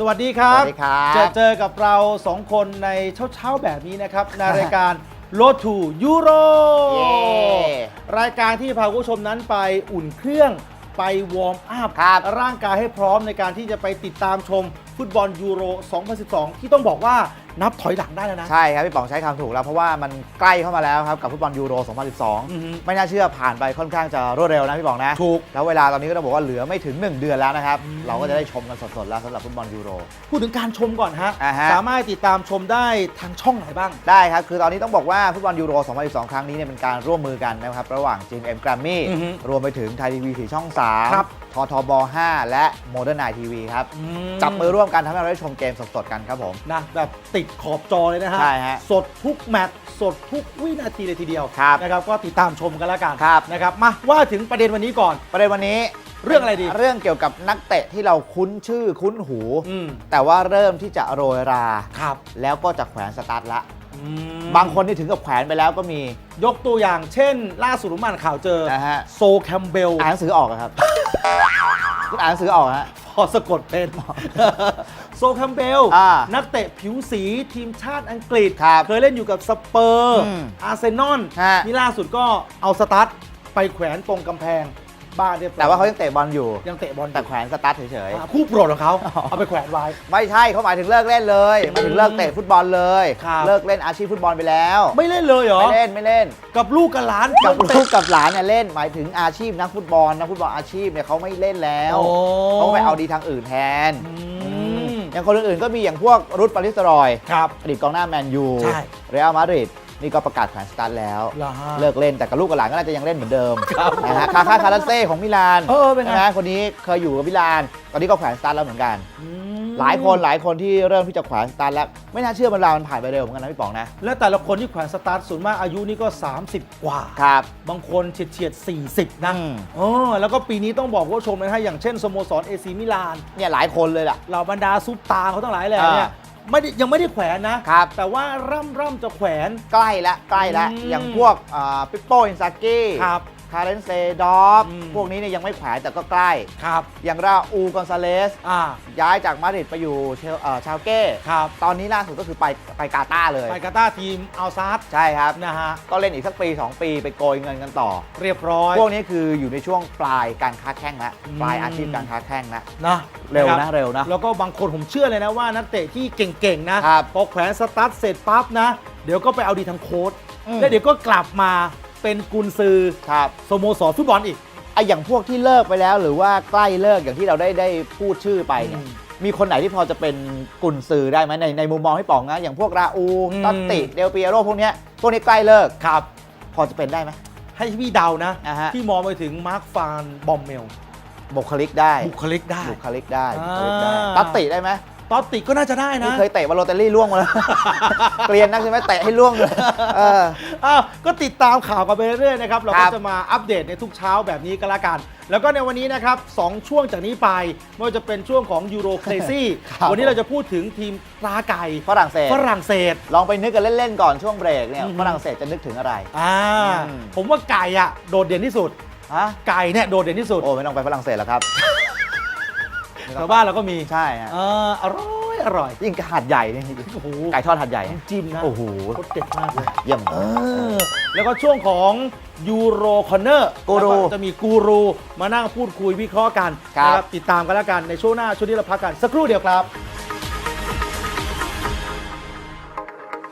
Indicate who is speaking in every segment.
Speaker 1: วัสดีครับ
Speaker 2: สวัสดีครับ
Speaker 1: เจอกับเรา2คนในเช้าแบบนี้นะครับ ในรายการ Road to Euro
Speaker 2: เย้
Speaker 1: รายการที่พาคุณผู้ชมนั้นไปอุ่นเครื่องไปวอร์มอัพ
Speaker 2: ครับ
Speaker 1: ร่างกายให้พร้อมในการที่จะไปติดตามชมฟุตบอลยูโร 2012 ที่ต้องบอกว่านับถอยหลังได้แล้วนะ
Speaker 2: ใช่ครับพี่ป๋องใช้คำถูกแล้วเพราะว่ามันใกล้เข้ามาแล้วครับกับฟุตบอลยูโร
Speaker 1: อือฮึ
Speaker 2: 2012 ไม่น่าเชื่อผ่านไปค่อนข้างจะรวดเร็วนะพี่ป๋องนะ
Speaker 1: ถูก
Speaker 2: แล้วเวลาตอนนี้ก็ต้องบอกว่าเหลือไม่ถึง 1 เดือนแล้วนะครับ
Speaker 1: อืม
Speaker 2: เราก็จะได้ชมกันสดๆแล้วสำหรับฟุตบอลยูโร
Speaker 1: พูดถึงการชมก่อนฮะ
Speaker 2: อ่าฮะ
Speaker 1: สามารถติดตามชมได้ทางช่องไหนบ้าง
Speaker 2: ได้ครับ คือตอนนี้ต้องบอกว่าฟุตบอลยูโร 2012 ครั้งนี้เนี่ยเป็นการร่วมมือกันนะครับระหว่าง GMM Grammy
Speaker 1: อือฮึ
Speaker 2: รวมไปถึงไทยทีวี4ช่อง
Speaker 1: ครับ
Speaker 2: 3 ททบ 5 และ Modern Night TV ครับ จับมือร่วมกันทำให้เราได้ชมเกมสดๆกันครับผม
Speaker 1: นะแบบติดขอบจอเลยนะฮะ
Speaker 2: ใช่ฮะ
Speaker 1: สดทุกแมตช์สดทุกวินาทีเลยทีเดียว
Speaker 2: ครับ
Speaker 1: นะครับก็ติดตามชมกันแล้วกัน
Speaker 2: ครับ
Speaker 1: นะครับมาว่าถึงประเด็นวันนี้ก่อน
Speaker 2: ประเด็นวันนี้
Speaker 1: เรื่องอะไรดี
Speaker 2: เรื่องเกี่ยวกับนักเตะที่เราคุ้นชื่อคุ้นหู
Speaker 1: อืม
Speaker 2: แต่ว่าเริ่มที่จะโรยรา
Speaker 1: ครับ
Speaker 2: แล้วก็จะแขวนสตาร์ทละ
Speaker 1: อืม
Speaker 2: บางคนนี่ถึงกับแขวนไปแล้วก็มี
Speaker 1: ยกตัวอย่างเช่น ล่าสุดผมอ่านข่าวเจอ
Speaker 2: นะฮะ
Speaker 1: โซแคมเบล
Speaker 2: อ่านหนังสือออกอะครับ คุณอ่านหนังสือออกฮะ
Speaker 1: พอสะกดเป็น โซแคมเบล
Speaker 2: อ่า
Speaker 1: นักเตะผิวสีทีมชาติอังกฤษ
Speaker 2: ครับ
Speaker 1: เคยเล่นอยู่กับสเปอร์
Speaker 2: อืม
Speaker 1: อาร์เซนอล
Speaker 2: ฮะ
Speaker 1: นี่ล่าสุดก็เอาสตาร์ทไปแขวนตรงกำแพงบ้านเรียบร้อย
Speaker 2: แต่ว่าเขายังเตะบอลอยู่
Speaker 1: ยังเตะบอลอยู่
Speaker 2: แต่แขวนสตาร์ทเฉย
Speaker 1: คู่โปรดของเขาเอาไปแขวนไว้
Speaker 2: ๆ ไม่ใช่เขาหมายถึงเลิกเล่นเลยหมายถึงเลิกเตะฟุตบอลเลย
Speaker 1: ครับ
Speaker 2: เลิกเล่นอาชีพฟุตบอลไปแล้ว
Speaker 1: ไม่เล่นเลยเหรอ
Speaker 2: ไม่เล่น
Speaker 1: กับลูกกับหลาน
Speaker 2: กับ
Speaker 1: เตะ
Speaker 2: ลูกกับหลานเนี่ยเล่นหมายถึงอาชีพนักฟุตบอลอาชีพเนี่ยเขาไม่เล่นแล้ว
Speaker 1: โอ้
Speaker 2: เขาไปเอาดีทางอื่นแทน
Speaker 1: อืม
Speaker 2: อย่างคนอื่นๆก็มีอย่างพวกรุดปาริสรอย
Speaker 1: ครับ
Speaker 2: อดีตกองหน้าแมนยู
Speaker 1: ใช่
Speaker 2: เรอัลมาดริดนี่ก็ประกาศแขวนสตาร์ทแล้ว
Speaker 1: เหรอฮะ
Speaker 2: เลิกเล่นแต่กับลูกกับหลานก็น่าจะยังเล่นเหมือนเดิม
Speaker 1: ครับ
Speaker 2: นะฮะคาคาราเซ่ของมิลาน
Speaker 1: เป็นไง
Speaker 2: ใช่ไหมคนนี้เคยอยู่กับมิลาน ตอนนี้ก็แขวนสตาร์ทแล้วเหมือนกัน
Speaker 1: อืม
Speaker 2: หลายคนที่เริ่มที่จะแขวนสตาร์ทแล้วไม่น่าเชื่อเวลามันผ่านไปเร็วเหมือนกันนะพี่ป๋องนะ
Speaker 1: และแต่ละคนที่แขวนสตาร์ทส่วนมากอายุนี่ก็ 30 กว่า
Speaker 2: ครับ
Speaker 1: บางคนเฉียด40 นะ
Speaker 2: อืม
Speaker 1: แล้วก็ปีนี้ต้องบอกว่าชมนะฮะอย่างเช่นสโมสรเอซีมิลาน
Speaker 2: เนี่ยหลายคนเลยล่ะ
Speaker 1: เหล่าบรรดาซุปตาเขาทั้งหลายแหละเนี่ยยังไม่ได้แขวนนะ
Speaker 2: ครับ
Speaker 1: แต่ว่าร่ำจะแขวน
Speaker 2: ใกล้ละ
Speaker 1: อืม
Speaker 2: อย่างพวกปิปโป้อินซากิ
Speaker 1: ครับ
Speaker 2: คาเรนเซดอฟ
Speaker 1: อืม
Speaker 2: พวกนี้เนี่ยยังไม่แขวนแต่ก็ใกล้
Speaker 1: ครับ
Speaker 2: อย่างราอูกอนซาเลส
Speaker 1: อ่า
Speaker 2: ย้ายจากมาดริดไปอยู่ชาวเก้
Speaker 1: ครับ
Speaker 2: ตอนนี้ล่าสุดก็คือไปกาตาร์เลย
Speaker 1: ไปกาตาร์ทีมอัลซาร์
Speaker 2: ใช่ครับ
Speaker 1: นะฮะ
Speaker 2: ก็เล่นอีกสักปี 2 ปีไปโกยเงินกันต่อ
Speaker 1: เรียบร้อย
Speaker 2: พวกนี้คืออยู่ในช่วงปลายการค้าแข้งแล้ว
Speaker 1: อืม
Speaker 2: ปลายอาชีพการค้าแข้งแล้ว
Speaker 1: นะ
Speaker 2: เร็ว
Speaker 1: ค
Speaker 2: นะ
Speaker 1: บ
Speaker 2: เร็วนะ
Speaker 1: แล้วก็บางคนผมเชื่อเลยนะว่านักเตะที่เก่งๆนะครับ พอแขวนสตาร์ทเสร็จปั๊บนะ เดี๋ยวก็ไปเอาดีทางโค้ช
Speaker 2: อืม
Speaker 1: แล้วเดี๋ยวก็กลับมาเป็นกุนซือ
Speaker 2: ครับ
Speaker 1: สโมสรฟุตบอลอีก
Speaker 2: ไออย่างพวกที่เลิกไปแล้วหรือว่าใกล้เลิกอย่างที่เราได้พูดชื่อไปเนี่ย
Speaker 1: อืม
Speaker 2: มีคนไหนที่พอจะเป็นกุนซือได้ไหมในมุมมองพี่ป๋องนะอย่างพวกราอู
Speaker 1: อืม
Speaker 2: ตัตติเดลเปียโรพวกนี้ใกล้เลิก
Speaker 1: ครับ
Speaker 2: พอจะเป็นได้ไหม
Speaker 1: ให้พี่เดานะ
Speaker 2: อ่าฮะ
Speaker 1: ที่มองไปถึงมาร์คฟานบอมเมล
Speaker 2: บุคลิกได้
Speaker 1: บุคลิกได้
Speaker 2: บุคลิกได้
Speaker 1: อ่า
Speaker 2: บุคลิกได้ตัตติได้ไหม
Speaker 1: ตอตติก็น่าจะได้นะ
Speaker 2: นี่เคยเตะบอลโลเตลลี่ล่วงมาแล้ว เกลียนนักใช่ไหมเตะให้ล่วงเลยเออ
Speaker 1: อ้าวก็ติดตามข่าวกันไปเรื่อยๆนะครับ เรา
Speaker 2: ค
Speaker 1: ก็
Speaker 2: รับ
Speaker 1: จะมาอัปเดตในทุกเช้าแบบนี้ก็แล้วกัน แล้วก็ในวันนี้นะครับ2ช่วงจากนี้ไปไม่ว่าจะเป็นช่วงของยูโรเคลซี่
Speaker 2: ครับ
Speaker 1: วันนี้เราจะพูดถึงทีมปลาไก่
Speaker 2: ฝรั่งเศส
Speaker 1: ฝรั่งเศส
Speaker 2: ลองไปนึกกันเล่นๆก่อนช่วงเบรกเนี่ย
Speaker 1: อือฮึ
Speaker 2: ฝรั่งเศสจะนึกถึงอะไร
Speaker 1: อ่า
Speaker 2: อืม
Speaker 1: ผมว่าไก่อะโดดเด่นที่สุด
Speaker 2: ฮะ
Speaker 1: ไก่เนี่ยโดดเด่นที่สุด
Speaker 2: โอ้ไม่ต้องไปฝรั่งเศสแล้วครับ
Speaker 1: แถวบ้านเราก็มี
Speaker 2: ใช่ฮะ
Speaker 1: อร่อย
Speaker 2: ยิ่งหัดใหญ่นี่
Speaker 1: โอ้โห
Speaker 2: ไก่ทอดหัดใหญ่
Speaker 1: น้ำจิ้มนะ
Speaker 2: โอ้โห
Speaker 1: รสเด็ดมากเลย
Speaker 2: เยี่ยม
Speaker 1: แล้วก็ช่วงของยูโรคอนเนอร์
Speaker 2: กูรู
Speaker 1: จะมีกูรูมานั่งพูดคุยวิเคราะห์กัน
Speaker 2: ครับ
Speaker 1: นะติดตามกันแล้วกันในช่วงหน้าช่วงนี้เราพักกันสักครู่เดียวครับ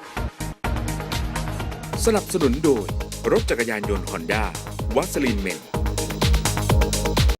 Speaker 3: สนับสนุนโดยรถจักรยานยนต์ฮอนด้าวัสลินเมน